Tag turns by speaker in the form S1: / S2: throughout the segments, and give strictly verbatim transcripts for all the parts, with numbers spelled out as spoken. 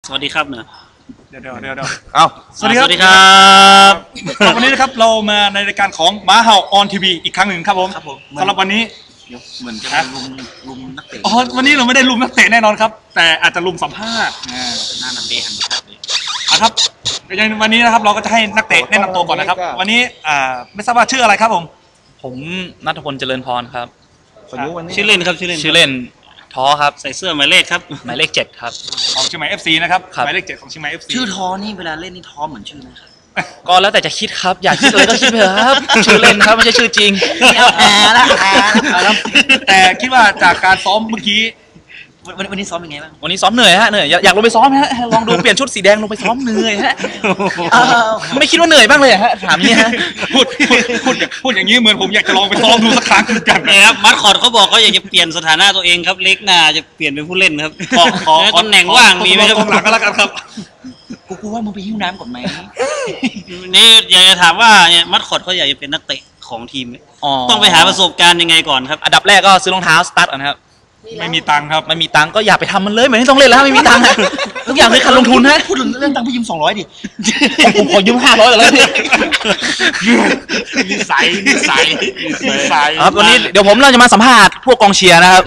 S1: สวัสดีครับเนอะ
S2: เดี๋ยวเดี๋ยวเดี๋ยวเดี๋ยว
S3: เอา
S1: สวัสดีครับสวัสดีครับ
S2: วันนี้นะครับเรามาในรายการของม้าเห่าออนทีวีอีกครั้งหนึ่งครับผมสำหรับวันนี้
S1: เหมือนจะลุมลุมนักเตะ
S2: อ๋อวันนี้เราไม่ได้ลุมนักเตะแน่นอนครับแต่อาจจะลุมสัมภาษณ์
S1: หน้านักเตะหันครับ
S2: อ่ะครับอย่างวันนี้นะครับเราก็จะให้นักเตะแนะนำตัวก่อนนะครับวันนี้อ่าไม่ทราบว่าชื่ออะไรครับผม
S4: ผมณัฐพลเจริญพรครับ
S1: ชื่อเล่นครับชื่อเล่น
S4: ชื่อเล่นท้อครับ
S1: ใส่เสื้อหมายเลขครับ
S4: หมายเลขเจ็ดครับ
S2: ของเชียงใหม่ เอฟ ซี นะครับหมายเลขเจ็ดของเชียงใหม่ เอฟ ซี
S1: ชื่อท้อนี่เวลาเล่นนี่ท้อเหมือนชื่อไหมครับ
S4: ก็แล้วแต่จะคิดครับอยากคิดอะไรก็คิดไปครับชื่อเล่นครับไม่ใช่ชื่อจริง
S1: แอร์ละแอร์
S2: ละแต่คิดว่าจากการซ้อมเมื่อกี้
S1: วันวันนี้ซ้อมยังไงบ้าง
S4: วันนี้ซ้อมเหนื่อยฮะเหนื่อยอยากลงไปซ้อมฮะลองดูเปลี่ยนชุดสีแดงลงไปซ้อมเหนื่อยฮะไม่คิดว่าเหนื่อยบ้างเลยฮะถามนี่ฮะ
S2: พูดพูดพูดพูดอย่างนี้เหมือนผมอยากจะลองไปซ้อมดูสักครั้งกัน
S1: นะครับมัดคอร์ดเขาบอกเขาอยากจะเปลี่ยนสถานะตัวเองครับเล็กหน้าจะเปลี่ยนเป็นผู้เล่นครับขอขอตำแหน่งว่างมีไหมครับ
S2: หลังก็แล้วกันครับ
S1: กูกูว่ามึงไปหิ้วน้ำก่อนไหมนี่อยากจะถามว่าเนี่ยมัดคอร์ดเขาอยากจะเป็นนักเตะของทีมต้องไปหาประสบการณ์ยังไงก่อนครับ
S4: อันดับแรกก็ซื้อรองเท้าสตาร์ทก่อนครับ
S2: ไม่มีตังค์ครับ
S4: ไม่มีตังค์ก็อย่าไปทำมันเลยไม่ต้องเล่นแล้วไม่มีตังค์ทุกอย่างคือการลงทุนฮะ
S1: พูดถึงเรื่องตังค์พี่ยืมสองร้อยดิ
S4: ผมขอยืมห้าร้อยก่อนเลย
S2: นิสัยนิสัยนิสัย
S4: ครับวันนี้เดี๋ยวผมเราจะมาสัมภาษณ์พวกกองเชียร์นะครับ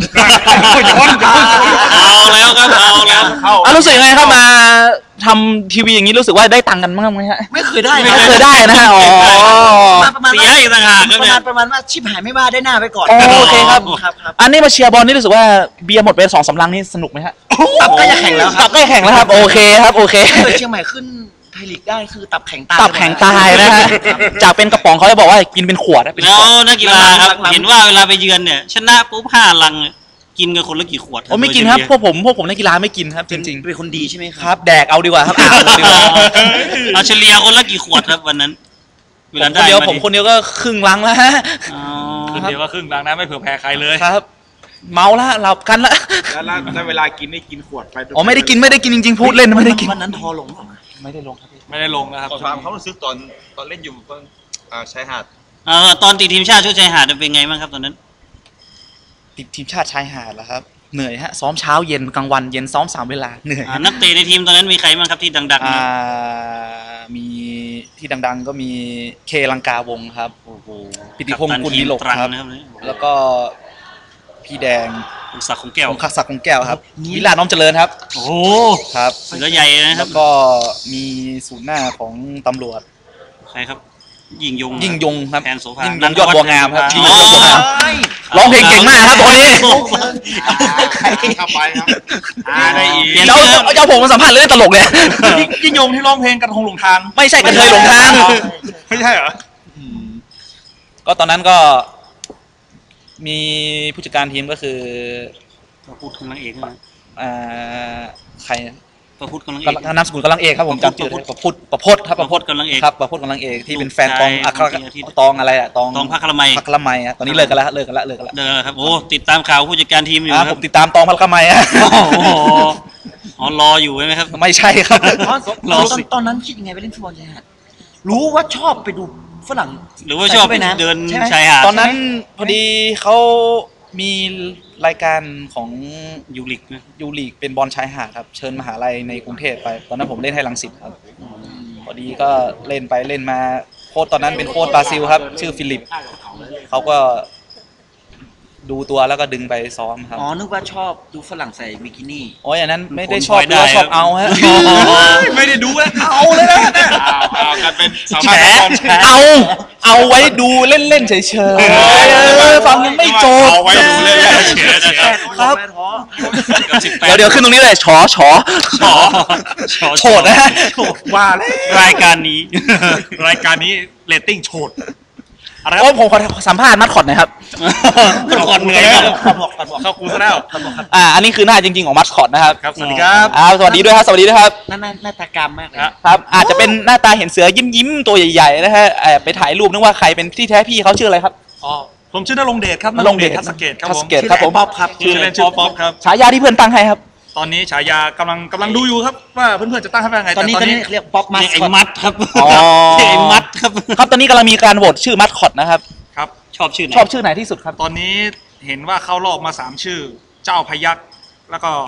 S1: เอาแล้วครับเอาแล้ว
S4: รู้สึกยังไงครับมาทำทีวีอย่างนี้รู้สึกว่าได้ตังค์กันบ้างไหมฮะ
S1: ไม่เคยได้
S4: ไม่เคยได้นะฮะอ๋อ
S1: เสียอีกต่างหากครับเนี่ยประมาณว่าชิบหายไม่ว่าได้หน้าไปก่อน
S4: โอเคครับอันนี้มาเชียร์บอลนี่รู้สึกว่าเบียร์หมดไปสองสามลังนี่สนุกไหมฮะ
S1: ตับใกล้จะแข่งแล้ว
S4: ตับใกล้แข่งแล้วครับโอเคครับโอเค
S1: เชียงใหม่ขึ้นไทยลีกได้คือตับแข็งตาย
S4: ตับแข็งตายนะฮะจากเป็นกระป๋องเขาจะบอกว่ากินเป็นขวดเป็น
S1: แล้วนักกีฬาครับเห็นว่าเวลาไปเยือนเนี่ยชนะปุ๊บห้าลังกินกันคนละกี่ขวด
S4: ผมไม่กินครับพวกผมพวกผมนักกีฬาไม่กินครับจริงๆ
S1: เป็นคนดีใช่ไหม
S4: ครับแดกเอาดีกว่าครับอ่านดีกว่า
S1: เอาเฉลี่ยคนละกี่ขวดครับวันนั้น
S4: คนเดียวผมคนเดียวก็ครึ่งลังแล้วฮะ
S2: คนเดียวก็ครึ่งลังนะไม่เผื่อแพ้ใครเลย
S4: ครับเมาละหลับกันละ
S3: แล้วเวลากินนี่กินขวดไป
S4: อ๋อไม่ได้กินไม่ได้กินจริงๆพูดเล่นไม่ได้กิน
S1: วันนั้นทอลง
S4: ไม่ได้ลงครับ
S2: ไม่ได้ลงนะครับ
S3: ความเขารู้สึกตอนตอนเล่นอยู่ตอนชายหาด
S1: ตอนติดทีมชาติชุดชายหาดเป็นไงบ้างครับตอนนั้น
S4: ติดทีมชาติชายหาดเหรอครับเหนื่อยฮะซ้อมเช้าเย็นกลางวันเย็นซ้อมสามเวลาเหนื่อย
S1: นักเตะในทีมตอนนั้นมีใครบ้างครับที่ดัง
S4: ๆมีที่ดังๆก็มีเคลังกาวงครับปิติพงศ์กุลนิลกครับแล้วก็พี่แดง
S1: องศักดิ์ของแก้ว
S4: องศักดิ์ของแก้วครับวิลาน้อมเจริญครับ
S1: โอ้
S4: ครับ
S1: เสือใหญ่นะครับ
S4: แล้วก็มีศูนย์หน้าของตำรวจ
S1: ใครครับยิงยง
S4: ยิงยงครับ
S1: แทนโสภา
S4: ยิงยงยอดบัวงามครับ
S1: ยิงยงยอดบัวงาม
S4: ร้องเพลงเก่งมากครับตัวนี้
S3: เข้าไปครับ
S4: ได้อีกเจ้าเจ้าผมมาสัมภาษณ์เรื่องตลกเนี่ย
S2: ยิงยงที่ร้องเพลงกระทงหลงทาง
S4: ไม่ใช่กระเทยหลงทาง
S2: ไม่ใช่เหรอ
S4: ก็ตอนนั้นก็มีผู้จัดการทีมก็คือ
S1: ประพุทธกำลังเอกนะ
S4: อ่าใคร
S1: ประพุทธกำลังเอก
S4: นามสกุลกำลังเอกครับผมจำชื่อประพุทธประพจน์ครับ
S1: ประพุทธกำลังเอก
S4: ครับประพุทธกำลังเอกที่เป็นแฟนตองอัครตองอะไรอะตอง
S1: ตองพระคละไม
S4: พระคละไมอะตอนนี้เลิกกันแล้วเลิกกันแล้วเลิกกันแล้ว
S1: เลิกแล้วครับโอ้ติดตามข่าวผู้จัดการทีมอยู่ครับ
S4: ผมติดตามตองพระคละไมอะ
S1: อ๋อรออยู่ใช่ไหมครับ
S4: ไม่ใช่ครับ
S1: รอตอนนั้นคิดยังไงไปเล่นฟุตบอลชายหาดรู้ว่าชอบไปดูฝรั่งหรือว่าชอบไปเดินชายหาด
S4: ตอนนั้นพอดีเขามีรายการของ
S1: ยูริก
S4: ยูริกเป็นบอลชายหาดครับเชิญมหาลัยในกรุงเทพไปตอนนั้นผมเล่นให้รังสิตครับพอดีก็เล่นไปเล่นมาโค้ชตอนนั้นเป็นโค้ชบราซิลครับชื่อฟิลิปเขาก็ดูตัวแล้วก็ดึงไปซ้อมครับ
S1: อ๋อนึกว่าชอบดูฝรั่งใส่บิกินี่
S4: อ๋ออย่างนั้นไม่ได้ชอบดูชอบเอาฮะ
S2: ไม่ได้ดูแล้วเอาเลยนะ
S3: เอากันเป็น
S4: แฉเอาเอาไว้ดูเล่นๆเฉยๆฟังยังไม่จบ
S3: เอาไว้ดูเล่น
S4: ๆครับเดี๋ยวเดี๋ยวขึ้นตรงนี้เลยฉอฉอ
S1: ฉอ
S4: โฉดนะ
S2: ว่าเลย
S1: รายการนี้
S2: รายการนี้เรตติ้งโฉด
S4: โอ้ผมขอสัมภาษณ์มัดคอดหน่อยครับ
S1: มัดคอดเหนื่อยมาก
S2: เข้ากูซะแล้ว
S4: อ่าอันนี้คือหน้าจริงๆของมัดคอดนะครับ
S2: ครับสวัสดีครับ
S4: อ่าสวัสดีด้วยครับสวัสดีด้วยครับ
S1: หน้าหน้าตากรรมมากเลย
S4: ครับอาจจะเป็นหน้าตาเห็นเสือยิ้มยิ้มตัวใหญ่ๆนะฮะไปถ่ายรูปนึกว่าใครเป็นที่แท้พี่เขาชื่ออะไรครับ
S2: อ๋อผมชื่อนรงเดชครับ
S4: นรงเดช
S2: ทัศเกตครับผม
S4: ครับผม
S1: ป๊อปครับ
S2: ชื่อเล่นชื่อป๊อปครับ
S4: ฉายาที่เพื่อนตั้งให้ครับ
S2: ตอนนี้ฉายากำลังกำลังดูอยู่ครับว่าเพื่อนๆจะตั้งให้ว่าไง
S1: ตอนนี้ตอนนี้เรียกป๊อปมัดไอ้มัดครับ
S4: อ๋อ
S1: ไอ้มัดครับ
S4: ครับตอนนี้กำลังมีการโหวตชื่อมัดคอดนะครับ
S2: ครับ
S1: ชอบชื่อไหน
S4: ชอบชื่อไหนที่สุดครับ
S2: ตอนนี้เห็นว่าเข้ารอบมาสามชื่อเจ้าพยัคฆ์แล้วก็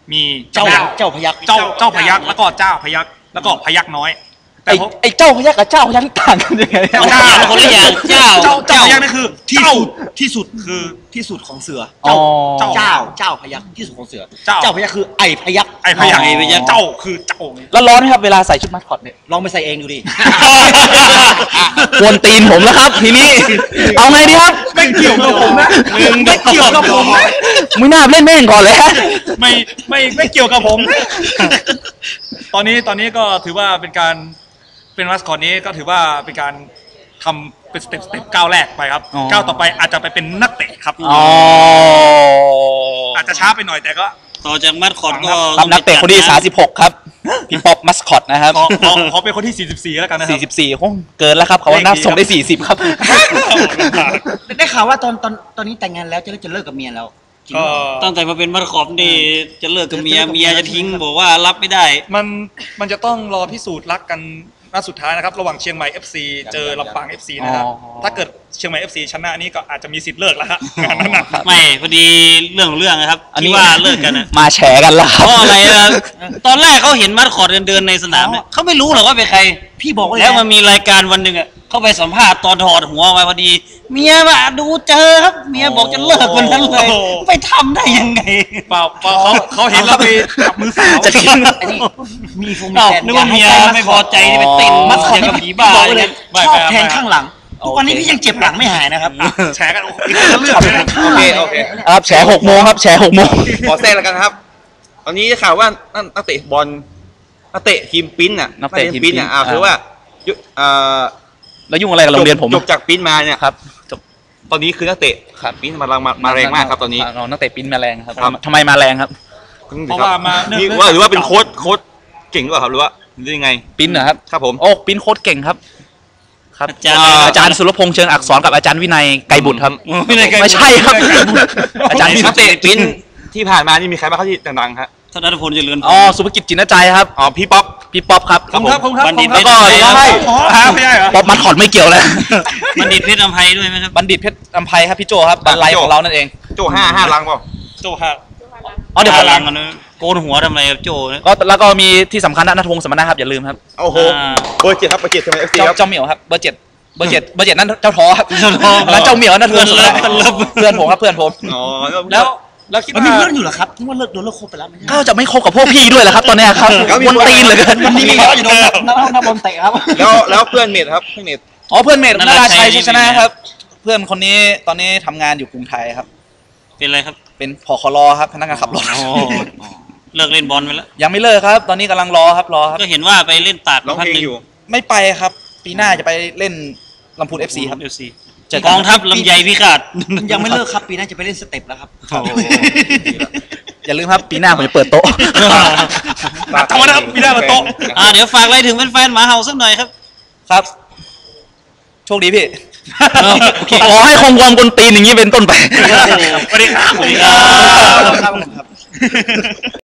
S2: มี
S5: เจ้า
S2: พยัคฆ์
S5: เจ้าพยัก
S2: เจ้าเจ้าพยักแล้วก็เจ้าพยักแล้วก็พยักน้อยแต่
S4: ไอ้
S2: ผม
S4: ไอ้เจ้าพยักกับเจ้าพยักต่างกันยังไง
S2: เจ้า
S1: คนละอย่างเจ้า
S2: เจ้าเจ้าพยักนี่คือ
S5: ที่
S2: เจ้า
S5: สุดที่สุดคือที่สุดของเสือ
S4: อ๋อ
S5: เจ้าเจ้าเจ้าพยักที่สุดของเสือ
S2: เจ้า
S5: เจ้าพยักคือไอพยัก
S2: ไอ้พยัก
S1: ไอ้พยัคฆ์
S2: เจ้าคือเจ้า
S4: แล้วร้อนไหมครับเวลาใส่ชุดมัสคอตเนี่ย
S5: ลองไปใส่เองดูดิ
S4: กวนตีนผมแล้วครับทีนี้ เอาไงดีครับ
S2: ไม่เกี่ยวกับผมนะไม่เกี่ยวกับผมนะ
S4: มึงน่าเล่นแม่งก่อนเลยฮะ
S2: ไม่ไม่ไม่เกี่ยวกับผมนะตอนนี้ตอนนี้ก็ถือว่าเป็นการเป็นมัสคอตนี้ก็ถือว่าเป็นการทำเป็นสเต็ปสเต็ปก้าวแรกไปครับ
S4: อ๋อ
S2: ก้าวต่อไปอาจจะไปเป็นนักเตะครับ
S4: อ๋อ
S2: อาจจะช้าไปหน่อยแต่ก็
S1: ต่อจากมัดคอร์ดก็
S4: ครับนักเตะคนที่สามสิบหกครับ พี่ป๊อปมัสคอตนะครับ
S2: ขอขอขอเป็นคนที่สี่สิบสี่แล้วกันนะครับ
S4: สี่สิบสี่คงเกินแล้วครับ เขาว่านับส่งได้สี่สิบครับ
S5: ได้ข่าวว่าตอนตอนตอนนี้แต่งงานแล้วจะจะเลิกกับเมียแล้วจริง
S2: ก็
S5: เหรอ
S1: ตั้งแต่มาเป็นมัดคอร์ดนี่จะเลิกกับเมียเมียจะทิ้งบอกว่ารับไม่ได้
S2: มันมันจะต้องรอพิสูจน์รักกันนัดสุดท้ายนะครับระหว่างเชียงใหม่ เอฟ ซี เจอลำปาง เอฟ ซี นะครับ
S4: อ๋อ
S2: ถ้าเกิดเชียงใหม่ เอฟ ซี ชนะนี่ก็อาจจะมีสิทธิ์เลิกแล้วฮะงานนั้นนะ
S1: ไม่พอดีเรื่องของเรื่องนะครับที่ว่าเลิกกันนะ
S4: มาแฉกันแล้วค
S1: เพ
S4: รับ
S1: ราะอะไรนะตอนแรกเขาเห็นมัดคอร์ดเดินๆในสนามเนี่ยเขาไม่รู้หรอกว่าเป็นใคร
S5: พี่บอกว่า
S1: แล้วมันมีรายการวันหนึ่งอ่ะเขาไปสัมภาษณ์ตอนถอดหัวออกมาพอดี เมียมาดูเจอครับ เมียบอกจะเลิกวันนั้นเลย ไปทำได้ยังไง
S2: เปล่าเปล่าเขาเขาเห็นเราไปจับมือสาว
S4: จะกิน
S5: อันนี้มีฟงมี
S1: อ้าว
S5: แฟน
S1: นึกว่าเมีย
S5: อให้
S1: ไม่พอใจที่ไปเต้น
S5: มัสคอต
S1: เกี่ยวกับ
S5: พี่
S1: ผีบ้า
S5: บอก
S1: อะไร
S5: เล
S1: เนี่ย
S5: ยชอบแทงข้างหลังทุกวันนี้พี่ยังเจ็บหลังไม่หายนะครับ
S2: แฉกันโอ้โหอีกคนละเรื่องเลยนะ
S3: โอเคโอเค
S4: ครับแฉหกโมงครับแฉหกโมง
S3: ขอแทรกแล้วกันนะครับ ตอนนี้ข่าวว่านั่นนักเตะบอลนักเตะทีมปิ้นน่ะ
S4: นักเตะทีม
S3: ปิ้นน่ะอ่า
S4: ปิ้น
S3: คือว่ายุเอ่อ
S4: แล้วยุ่งอะไรกับโรงเรียนผม
S3: จบจากปิ้นมาเนี่ย
S4: ครับจบ
S3: ตอนนี้คือนักเตะ
S4: ครับ
S3: ปิ้นมาแรงมามาแรงมากครับตอนนี้
S4: น้องนักเตะปิ้นมาแรงครับ
S3: ครับ
S4: ทำไมมาแรงครับ
S2: เพราะว่ามาเนื่อง
S3: นี่
S2: เนื่อง
S3: ว่า
S2: จาก
S3: หรือว่าเป็นโค้ชโค้ชเก่งหรือเปล่าครับหรือว่าหรือยังไง
S4: ปิ้นเหรอครับ
S3: ครับผม
S4: โอ้ปิ้นโค้ดเก่งครับ ครับ
S1: อาจารย์
S4: อาจารย์สุรพงษ์เชิงอักษรกับอาจารย์วินัยไกรบุตรครับ
S1: ไม่ได้ไกล
S4: ไม่ใช่ครับ อาจารย์วิ
S3: นั
S4: นั
S3: กเตะปิ้นที่ผ่านมานี่มีใครบ้างครับที่ดังๆครับ
S1: ธนพลเจริญพ
S4: อ๋อ
S1: ร
S4: สุภกิจจินใจครับ
S3: อ๋อพี่ป๊อป
S4: พี่ป๊อปครับ
S2: ขอบคุณครับขอบคุณครับ
S1: บัณฑิต
S2: ขอบคุณครับ
S1: เพชร
S2: แล้วก็
S1: ใช่
S2: อ๋อฮะไม่ใช่เหรอ
S4: ป๊อปมัดคอร์ดไม่เกี่ยวเลย
S1: บัณฑิตเพชรอภัยด้วยไหมครับ
S4: บัณฑิตเพชรอัมไพครับพี่โจครับบันไลของเรานั่นเอง
S3: โจห้าห้าลังเปล่า
S2: โจฮะ
S4: อ๋อเดี๋ยวผม
S1: หลังกันนะโกนหัวทำไมครับโจนะ
S4: ก็แล้วก็มีที่สำคัญนะนัทวงศ์สมณะครับอย่าลืมครับ
S3: โอ้โห
S1: อ่า
S3: เบอร์เจ็ดครับเบอร์เจ็ดทำไมเอฟซี
S4: เจ้า
S3: ครับ
S4: เจ้าเหมียวครับเบอร์เจ็ดเบอร์เจ็ดเบอร์เจ็ดนั่นเจ้าท้อครับ
S1: เจ้าท้อ
S4: แล้วเจ้าเหมียวนัทวงศ์สมณะ
S1: เพื่อนเลิฟ
S4: เพื่อนผมครับเพื่อนผม
S3: อ๋อ
S2: แล้วแล้วคิด
S5: มัน
S2: ว่า
S5: มีเพื่อนอยู่เหรอครับที่ว่าเลิกโดนเลิกคบไปแล้วไม่ใช่
S4: ก็จะไม่คบกับพวกพี่ด้วยแหละครับ ตอนเนี้ยครับวนตีนเหลย
S5: มันมีเขาอยู่โดนนักนักบอลเตะครับ
S3: แล้วแล้วเพื่อนเมทครับเพื่อนเมท
S4: อ๋อเพื่อนเมธ
S1: นา
S4: นา
S1: รา
S4: รา
S1: ชั
S4: ชั
S1: ย
S4: ยชัยชนะครับ เพื่อนคนนี้ตอนนี้ทำงานอยู่กรุงไทยครับ
S1: เป็นอะไรครับ
S4: เป็นผครครับพนักงานขับรถ
S1: อ๋อเลิกเล่นบอลไปแล้ว
S4: ยังไม่เลิกครับ ตอนนี้กำลังรอครับรอครับ
S1: ก็เห็นว่าไปเล่นตาก
S3: ร้องเพลงอยู่
S4: ไม่ไปครับ ปีหน้าจะไปเล่นลำพูน เอฟ ซี ครับ
S1: เอฟซี
S4: เจอกัน
S1: กองทัพลำไยพิฆาต
S5: ยังไม่เลิกครับปีหน้าจะไปเล่นสเต็ปแล้วครับ
S4: อย่าลืมครับปีหน้าผมจะเปิดโต๊ะ
S2: ทำไมนะครับพี่ได้มาโต๊ะ
S1: อ่าเดี๋ยวฝากอะไรถึงแฟนๆหมาเห่าสักหน่อยครับ
S4: ครับ โชคดีพี่ ขอให้คงความกลตีนอย่างนี้เป็นต้นไป
S2: สวัสดีครับ
S1: สวัสดีครับ
S5: ครับ